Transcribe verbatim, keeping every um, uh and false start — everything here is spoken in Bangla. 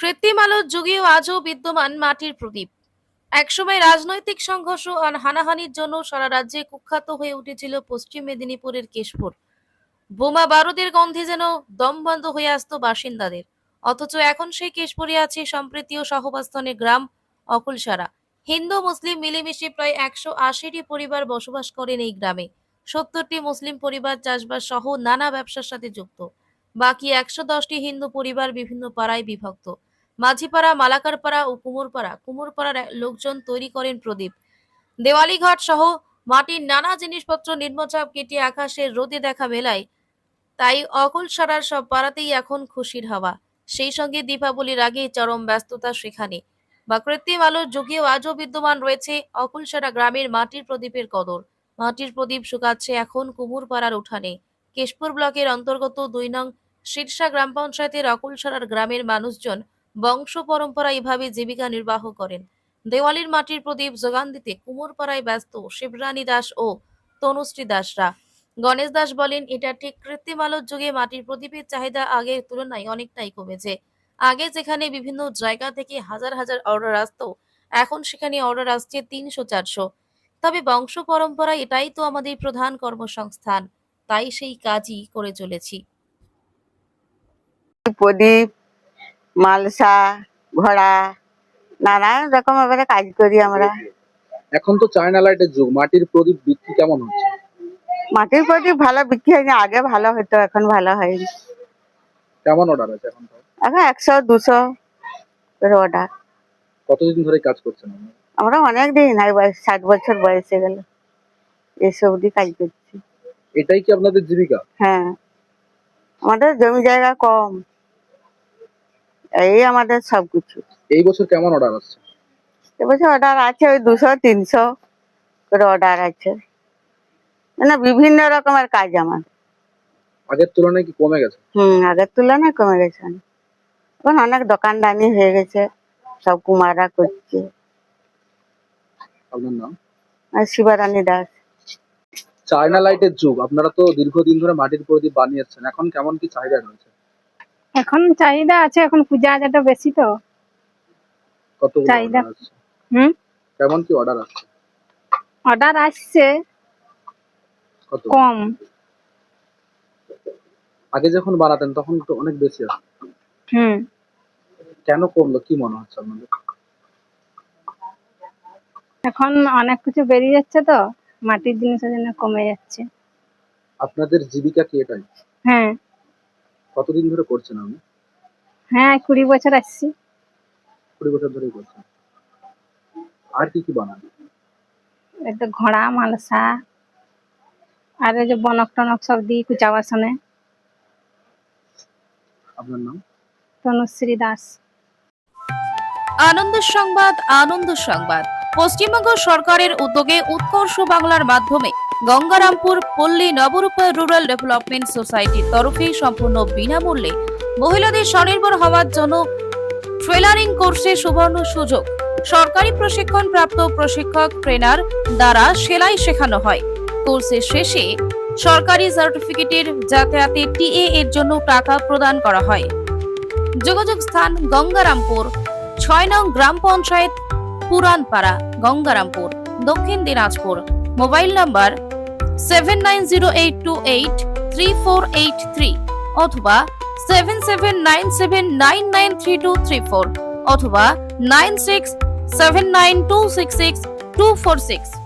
কৃত্রিম আলোর যুগেও আজও বিদ্যমান মাটির প্রদীপ। একসময় রাজনৈতিক সংঘর্ষ আর হানাহানির জন্য সারা রাজ্যে কুখ্যাত হয়ে উঠেছিল পশ্চিম মেদিনীপুরের কেশপুর। বোমা বারুদের গন্ধে যেন দম বন্ধ হয়ে আসতো বাসিন্দাদের। অথচ এখন সেই কেশপুরে আছে সম্প্রীতি ও সহাবস্থানের গ্রাম অকুলসারা। হিন্দু মুসলিম মিলেমিশে প্রায় একশো আশিটি পরিবার বসবাস করেন এই গ্রামে। সত্তরটি মুসলিম পরিবার চাষবাস সহ নানা ব্যবসার সাথে যুক্ত। বাকি একশো দশটি হিন্দু পরিবার বিভিন্ন পাড়ায় বিভক্ত। মাঝিপাড়া, মালাকারপাড়া ও কুমোরপাড়া কুমোরপাড়ার লোকজন তৈরি করেন প্রদীপ, দেওয়ালি ঘাট সহ মাটির নানা জিনিসপত্র নিম্নচাপ কেটে আকাশের রোদে দেখা মেলায়। তাই অকুলসারার সব পাড়াতেই এখন খুশির হাওয়া। সেই সঙ্গে দীপাবলির আগে চরম ব্যস্ততা সেখানে। বা কৃত্রিম আলোর যুগেও আজও বিদ্যমান রয়েছে অকুলসারা গ্রামের মাটির প্রদীপের কদর। মাটির প্রদীপ শুকাচ্ছে এখন কুমুরপাড়ার উঠানে। কেশপুর ব্লকের অন্তর্গত দুই নং শীর্ষা গ্রাম পঞ্চায়েতের অকুলসারার গ্রামের মানুষজন বংশ পরম্পরা এভাবে জীবিকা নির্বাহ করেন। দেওয়ালির মাটির প্রদীপ যোগান দিতে কুমোরপাড়ায় ব্যস্ত শিবরানী দাস ও তনুশ্রী দাসরা। গণেশ দাস বলেন, এটা ঠিক কৃত্রিম আলোর যুগে মাটির প্রদীপের চাহিদা আগের তুলনায় অনেকটাই কমেছে। আগে যেখানে বিভিন্ন জায়গা থেকে হাজার হাজার অর্ডার আসতো, এখন সেখানে অর্ডার আসছে তিনশো চারশো। তবে বংশ পরম্পরা এটাই তো আমাদের প্রধান কর্মসংস্থান, তাই সেই কাজই করে চলেছি। প্রদীপ, মালসা, ঘোড়া, নানান রকম এবারে কাজ করি আমরা। এখন তো চায়না লাইটের যুগ, মাটির প্রদীপ বিক্রি কেমন হচ্ছে? মাটির প্রদীপ ভালো বিক্রি হয়নি, আগে ভালো হতো, এখন ভালো হয়নি। কেমন অর্ডার আছে এখন? এখন একশো দুশো করে অর্ডার। কতদিন ধরে কাজ করছেন আপনি? আমরা অনেক দিন, এই বয়স ষাট বছর বয়সে গেল এসব দিয়ে কাজ করছি। এটাই কি আপনাদের জীবিকা? হ্যাঁ, আমাদের জমি জায়গা কম, এই আমাদের সবকিছু। এই বছর কেমন অর্ডার আসছে? এবছর অর্ডার আছে ওই দুশো তিনশো করে অর্ডার আছে। না, বিভিন্ন রকমের কাজ আমার। আগের তুলনায় কি কমে গেছে? হম আগের তুলনায় কমে গেছে। এখন অনেক দোকানদানি হয়ে গেছে, সব কুমাররা করছে। আপনার নাম? আর শিবরানী দাস। চায়না লাইটের যুগ, আপনারা তো দীর্ঘদিন ধরে মাটির প্রদীপ বানিয়েছেন, এখন কেমন কি চাহিদা রয়েছে? এখন চাহিদা আছে, এখন পূজা যেটা বেশি তো কত চাহিদা। অর্ডার আসছে? হুম কেমন কি অর্ডার আসছে? অর্ডার আসছে কত? কম। আগে যখন বানাতেন তখন তো অনেক বেশি আসতো। হুম কেন কমলো, কি মনে হচ্ছে আপনাদের? এখন অনেক কিছু বেরিয়ে যাচ্ছে তো, মাটির জিনিসের জন্য কমে যাচ্ছে। আপনাদের জীবিকা কি এটাই? হ্যাঁ কতদিন ধরে করছেন আপনি? হ্যাঁ কুড়ি বছর আসছি। কুড়ি বছর ধরেই করছেন। আর কি কি বানান? এই তো ঘোড়া, মালসা, আর এই যে বনক টনক সব দিই কুচা বাসনে। আপনার নাম? তনুশ্রী দাস। আনন্দ সংবাদ, আনন্দ সংবাদ। পশ্চিমবঙ্গ সরকারের উদ্যোগে উৎকর্ষ বাংলার মাধ্যমে গঙ্গারামপুর পল্লী নবরূপা রুরাল ডেভেলপমেন্ট সোসাইটির তরফে সম্পূর্ণ বিনামূল্যে মহিলাদের স্বনির্ভর হওয়ার জন্য ট্রেলারিং কোর্সে সুবর্ণ সুযোগ। সরকারি প্রশিক্ষণ প্রাপ্ত প্রশিক্ষক ট্রেনার দ্বারা সেলাই শেখানো হয়। কোর্সের শেষে সরকারি সার্টিফিকেটের যাতায়াতে টিএ এর জন্য টাকা প্রদান করা হয়। যোগাযোগ স্থান গঙ্গারামপুর, ছয় নং গ্রাম panchayat, Puranpara, Gangarampur, Dakshin Dinajpur. Mobile number seven nine zero eight two eight three four eight three অথবা seven seven nine seven nine nine three two three four অথবা nine six seven nine two six six two four six.